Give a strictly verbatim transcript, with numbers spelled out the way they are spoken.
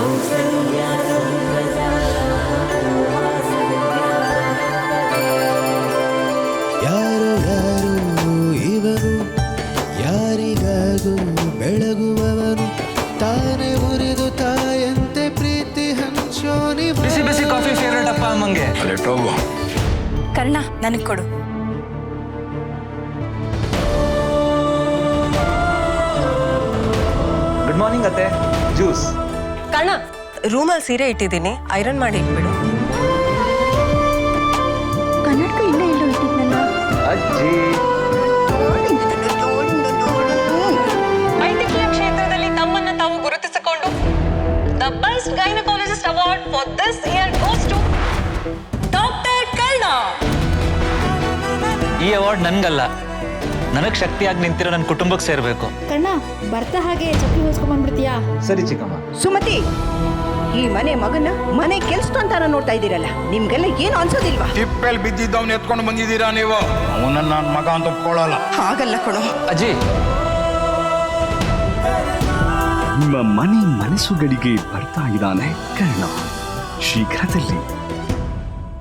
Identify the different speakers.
Speaker 1: ಯಾರು ಯಾರು ಇವನು, ಯಾರಿಗಾಗೂ ಬೆಳಗುವವನು, ತಾನೇ ಉರಿದು ತಾಯಂತೆ ಪ್ರೀತಿ ಹಂಚೋನಿ.
Speaker 2: ಬಿಸಿ ಬಿಸಿ ಕಾಫಿ ಫೇವ್ರೇಟ್ ಅಪ್ಪ ಅಮ್ಮಂಗೆ.
Speaker 3: ಕರ್ಣ ನನಗೆ ಕೊಡು.
Speaker 2: ಗುಡ್ ಮಾರ್ನಿಂಗ್ ಅತ್ತೆ. ಜ್ಯೂಸ್.
Speaker 3: ಕರ್ಣ, ರೂಮಲ್ಲಿ ಸೀರೆ ಇಟ್ಟಿದ್ದೀನಿ, ಐರನ್ ಮಾಡಿ ಇಟ್ಬಿಡು.
Speaker 4: ಕನ್ನಡಕ ಇಲ್ಲೇ ಎಲ್ಲೋ ಇಟ್ಟಿದ್ನಲ್ಲ.
Speaker 2: ಅಜ್ಜಿ.
Speaker 3: ವೈದ್ಯಕೀಯ ಕ್ಷೇತ್ರದಲ್ಲಿ ತಮ್ಮನ್ನ ತಾವು ಗುರುತಿಸಿಕೊಂಡು the best gynaecologist award for this year goes to doctor Karna.
Speaker 2: ಈ ಅವಾರ್ಡ್ ನನ್ಗಲ್ಲ, ನನಗ್ ಶಕ್ತಿಯಾಗಿ ನಿಂತಿರೋ ನನ್ನ ಕುಟುಂಬಕ್ಕೆ ಸೇರ್ಬೇಕು.
Speaker 4: ಕಣ್ಣ ಬರ್ತಾ ಹಾಗೆ ಚಪ್ಪಲಿ ಹೊಸ್ಕೊಂಡ್ ಬಂದ್ಬಿಡ್ತೀಯಾ?
Speaker 2: ಸರಿ ಚಿಕ್ಕಮ್ಮ.
Speaker 5: ಸುಮತಿ, ಈ ಮನೆ ಮಗನ ಮನೆ ಕೆಲ್ಸ ಅಂತಾರ ನೋಡ್ತಾ ಇದ್ದೀರಲ್ಲ, ನಿಮ್ಗೆಲ್ಲ ಏನು ಅನ್ಸೋದಿಲ್ವಾ?
Speaker 6: ತಿಪ್ಪೆಲ್ ಬಿದ್ದಿದ್ದವ್ನ ಎತ್ಕೊಂಡು ಬಂದಿದ್ದೀರಾ ನೀವು? ಅವನನ್ನ ನನ್ನ ಮಗ ಅಂತ ಒಪ್ಕೊಳ್ಳಲ್ಲ.
Speaker 5: ಹಾಗಲ್ಲ ಕಣೋ
Speaker 2: ಅಜ್ಜಿ.
Speaker 7: ನಿಮ್ಮ ಮನೆ ಮನಸ್ಸುಗಳಿಗೆ ಬರ್ತಾ ಇದ್ದಾನೆ ಕರ್ಣ. ಶೀಘ್ರದಲ್ಲಿ